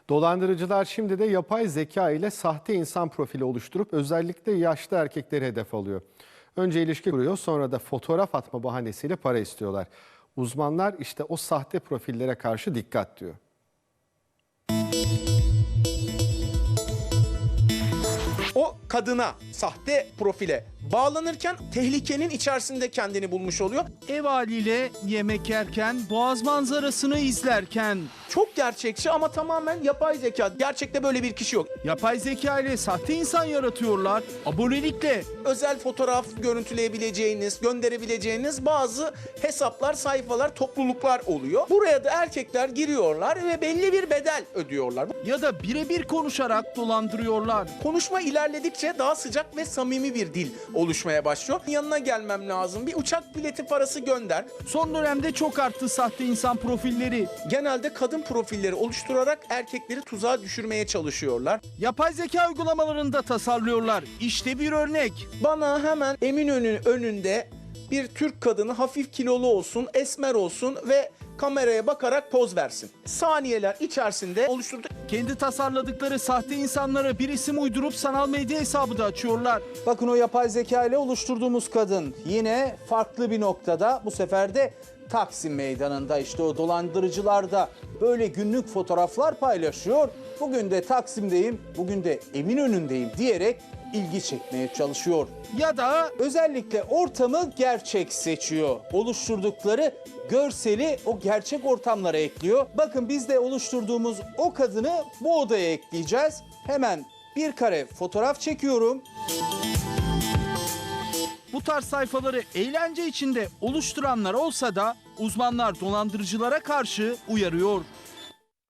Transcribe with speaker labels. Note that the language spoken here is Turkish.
Speaker 1: Dolandırıcılar şimdi de yapay zeka ile sahte insan profili oluşturup özellikle yaşlı erkekleri hedef alıyor. Önce ilişki kuruyor, sonra da fotoğraf atma bahanesiyle para istiyorlar. Uzmanlar işte o sahte profillere karşı dikkat diyor.
Speaker 2: O kadına, sahte profile bağlanırken tehlikenin içerisinde kendini bulmuş oluyor.
Speaker 3: Ev haliyle yemek yerken, boğaz manzarasını izlerken
Speaker 2: Çok gerçekçi ama tamamen yapay zeka. Gerçekte böyle bir kişi yok.
Speaker 3: yapay zeka ile sahte insan yaratıyorlar. Abonelikle
Speaker 2: Özel fotoğraf görüntüleyebileceğiniz, gönderebileceğiniz bazı hesaplar, sayfalar, topluluklar oluyor. Buraya da erkekler giriyorlar ve belli bir bedel ödüyorlar.
Speaker 3: ya da birebir konuşarak dolandırıyorlar.
Speaker 2: Konuşma ilerledikçe daha sıcak ve samimi bir dil oluşmaya başlıyor. Yanına gelmem lazım, bir uçak bileti parası gönder.
Speaker 3: Son dönemde çok arttı sahte insan profilleri.
Speaker 2: Genelde kadın profilleri oluşturarak erkekleri tuzağa düşürmeye çalışıyorlar.
Speaker 3: Yapay zeka uygulamalarında tasarlıyorlar. İşte bir örnek.
Speaker 2: Bana hemen Eminönü önünde bir Türk kadını hafif kilolu olsun, esmer olsun ve kameraya bakarak poz versin. Saniyeler içerisinde oluşturduk.
Speaker 3: Kendi tasarladıkları sahte insanlara bir isim uydurup sanal medya hesabı da açıyorlar.
Speaker 4: Bakın o yapay zeka ile oluşturduğumuz kadın yine farklı bir noktada, bu sefer de Taksim Meydanı'nda. İşte o dolandırıcılar da böyle günlük fotoğraflar paylaşıyor. Bugün de Taksim'deyim, bugün de Eminönü'ndeyim diyerek ilgi çekmeye çalışıyor.
Speaker 3: Ya da
Speaker 4: Özellikle ortamı gerçek seçiyor. Oluşturdukları görseli o gerçek ortamlara ekliyor. Bakın biz de oluşturduğumuz o kadını bu odaya ekleyeceğiz. Hemen bir kare fotoğraf çekiyorum.
Speaker 3: bu tarz sayfaları eğlence içinde oluşturanlar olsa da uzmanlar dolandırıcılara karşı uyarıyor.